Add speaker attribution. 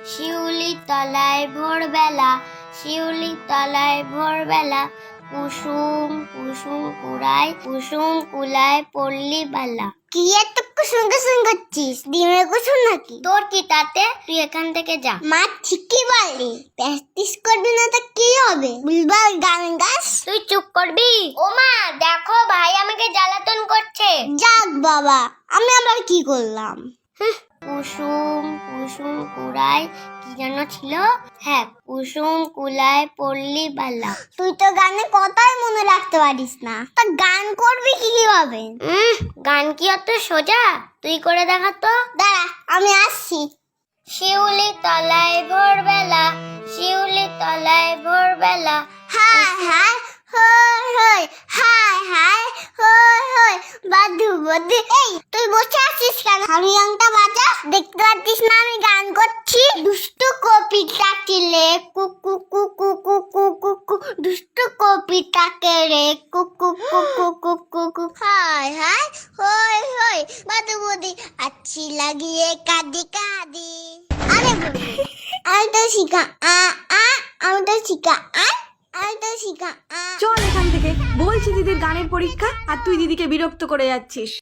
Speaker 1: শিউলি তলায় ভোরবেলা, শিউলি তলায় ভোরবেলা, কুসুম কুসুম কুড়ায়, কুসুম কুলায় পল্লী বালা। কি এত কুসুম কুসুম করছিস? ডিমের কুসুম নাকি? তোর কি তাতে? তুই এখান থেকে যা। মা ঠিকই বললি, প্র্যাকটিস করবি না তো কি হবে? বুলবাল গান গাস। তুই চুপ করবি? ও মা দেখো, ভাই আমাকে জ্বালাতন করছে। যাক বাবা, আমি আবার কি করলাম? কুসুম কুসুম কুড়ায়, কি যেন ছিল? হ্যাঁ, কুসুম কুলায় পল্লী বালা। তুই তো গানে কথাই মনে রাখতে পারিস না, তা গান করবি কিভাবে? গান কি অত সোজা? তুই করে দেখা তো। দাঁড়া, আমি আসছি। শিউলি তলায় ভোরবেলা, শিউলি তলায় ভোরবেলা, হায় হায় হই হই, হায় হায় হই হই, বাদু বাদু। এই তুই বসে আছিস কেন? হারিয়াংটা বাজা, দেখতে পাচ্ছিস না আমি গান করছি? দুষ্টু কপিটাকে রে কুকু কুকু কুকু কুকু, দুষ্টু কপিটাকে রে কুকু কুকু কুকু কুকু, হায় হায় হই হই, বাদু বাদু, আচ্ছি লাগিয়ে কাঁদি কাঁদি। আরে আমি তো শিখা আমি তো শিখা আমি তো শিখা।
Speaker 2: চল এখান থেকে, বলছি দিদির গানের পরীক্ষা আর তুই দিদিকে বিরক্ত করে যাচ্ছিস।